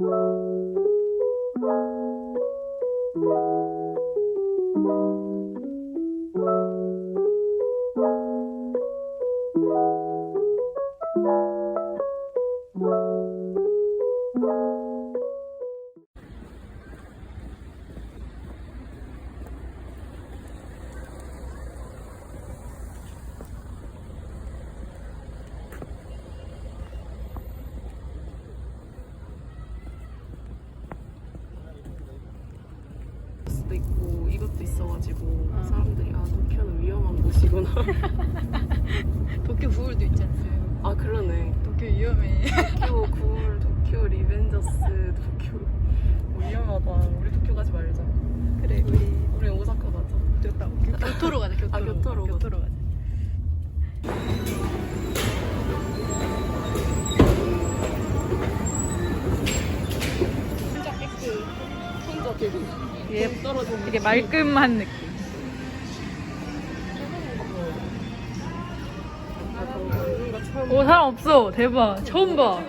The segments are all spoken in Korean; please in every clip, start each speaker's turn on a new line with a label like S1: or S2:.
S1: 수도 있고 이것도 있어가지고 사람들이 도쿄는 위험한 곳이구나.
S2: 도쿄 구울도 있지 않아요?
S1: 아 그러네.
S2: 도쿄 위험해.
S1: 도쿄 구울, 도쿄 리벤저스, 도쿄 위험하다. 우리 도쿄 가지 말자.
S2: 그래
S1: 우리 오사카 가자.
S2: 좋다. 교토로 가자. 교토로.
S1: 교토로
S2: 가자.
S1: 혼자 깨끗. 혼자 되게 떨어지는.
S2: 되게 말끔한 느낌. 오 사람 없어. 대박. 처음 봐.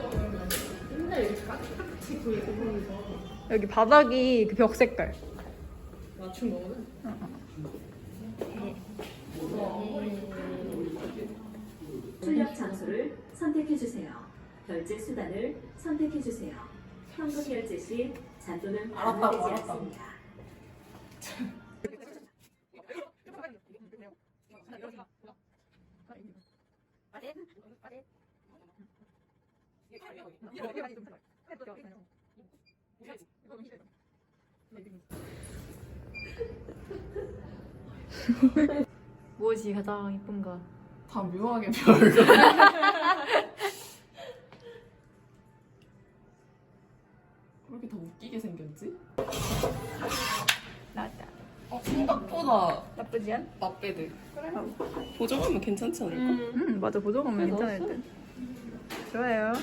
S2: 여기 바닥이 그 벽 색깔.
S1: 맞춘 거거든.
S3: 출력 장소를 선택해주세요. 결제 수단을 선택해주세요. 현금 결제 시 잔돈은 반환되지 않습니다.
S2: 무엇이 가장 이쁜가?
S1: 다 묘하게 별거. 왜 이렇게 다 웃기게 생겼지?
S2: 나왔다.
S1: 생각보다
S2: 나쁘지 않?
S1: 나빼드. 보정하면 괜찮지 않을까?
S2: 맞아. 보정하면 괜찮을 듯. 좋아요.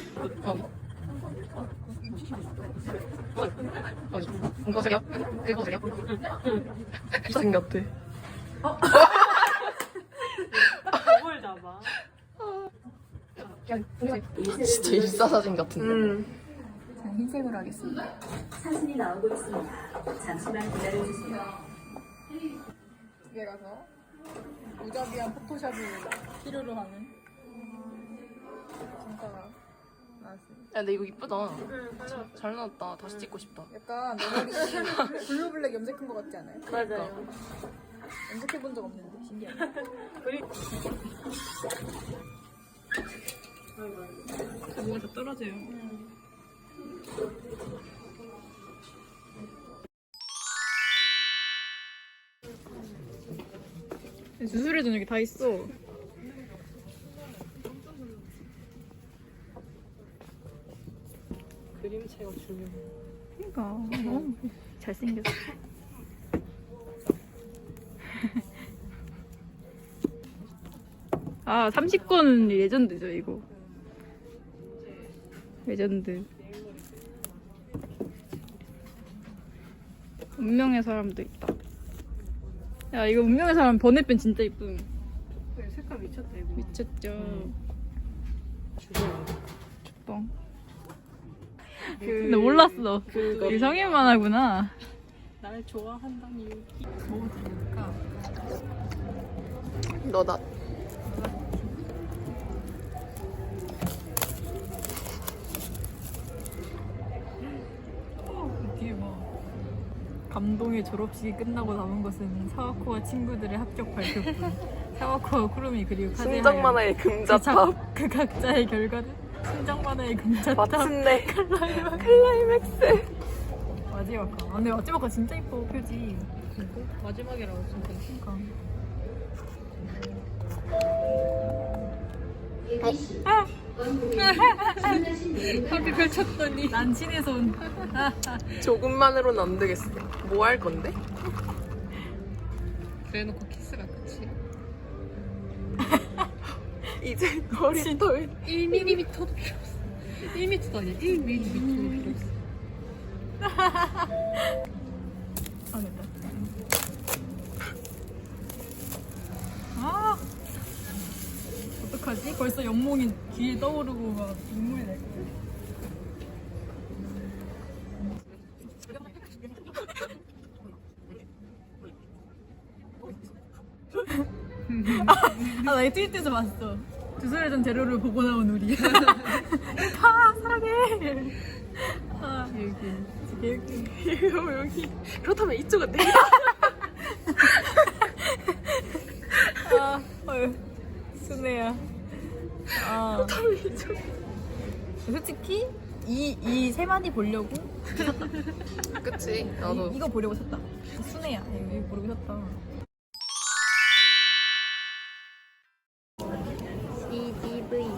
S1: 이거 세요? 이거 세요? 이상 같아.
S2: 뭘 잡아?
S1: 진짜 일사사진 같은데.
S2: 전 흰색으로 하겠습니다.
S3: 사진이 나오고 있습니다. 잠시만 기다려주세요.
S2: 집에 가서 무자비한 포토샵을 필요로 하는 진짜가 나왔습니다.
S1: 야, 근데 이거 이쁘다. 잘 나왔다. 다시 찍고 싶다.
S2: 약간 내 머리 블루블랙 염색한 것 같지 않아요?
S1: 맞아요.
S2: 염색해본 적 없는데 신기하네. 뭐가 다 떨어져요. 수술해 준 여기 다 있어.
S1: 그림체가 중요해.
S2: 그러니까 너무 잘생겼어. 아 30권 레전드죠 이거. 레전드. 운명의 사람도 있다. 야 이거 운명의 사람 번외편 진짜 이쁨.
S1: 색깔 미쳤다, 이거.
S2: 미쳤죠. 뻥.
S1: 그...
S2: 근데 몰랐어.
S1: 그거.
S2: 이성일 만화구나.
S1: 날 좋아한다니.
S2: 뭐 들을까?
S1: 너다.
S2: 뒤에 뭐 감동의 졸업식이 끝나고 남은 것은 사와코와 친구들의 합격 발표뿐. 사와코와 쿠루미 그리고 카제하의
S1: 순정 만화의 금자탑.
S2: 그 각자의 결과는 순정 만화의 금자탑.
S1: 마침내 클라이맥스.
S2: 마지막 화. 아, 근데 마지막 화 진짜 이뻐 표지.
S1: 마지막이라고 진짜.
S2: 그러니까. 합이 펼쳤더니 난친의 손.
S1: 조금만으로는 안 되겠어. 뭐 할 건데?
S2: 그래놓고 키스가 끝이야.
S1: 이제 머리털
S2: 1mm도 필요 없어. 1m도 아니야. 1mm도 필요 없어. 아 됐다. 아 어떡하지? 벌써 연몽이 귀에 떠오르고 막 눈물이 날 거야. 아, 나 트위터에서 봤어. 주소를 재료를 보고 나온 우리. 다 사랑해. 아, 여기.
S1: 여기. 그렇다면 이쪽은 내.
S2: 아, 헐. 순애야. 아.
S1: 그렇다면 이쪽.
S2: 솔직히 이 세 마디 보려고
S1: 그치. 나도.
S2: 이거 보려고 샀다. 순애야. 이거 보려고 샀다. CGV.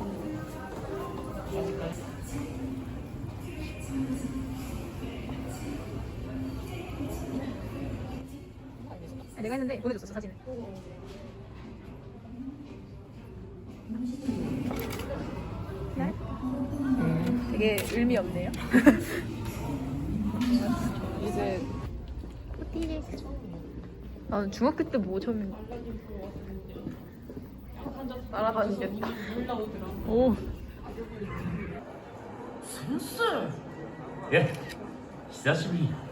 S2: 내가 했는데 보내줬어 사진을. 되게 의미 없네요.
S1: 이제
S2: 나는 중학교 때 뭐 처음인가?
S1: 날아다니겠다.
S2: 오.
S4: 예, 久しぶり。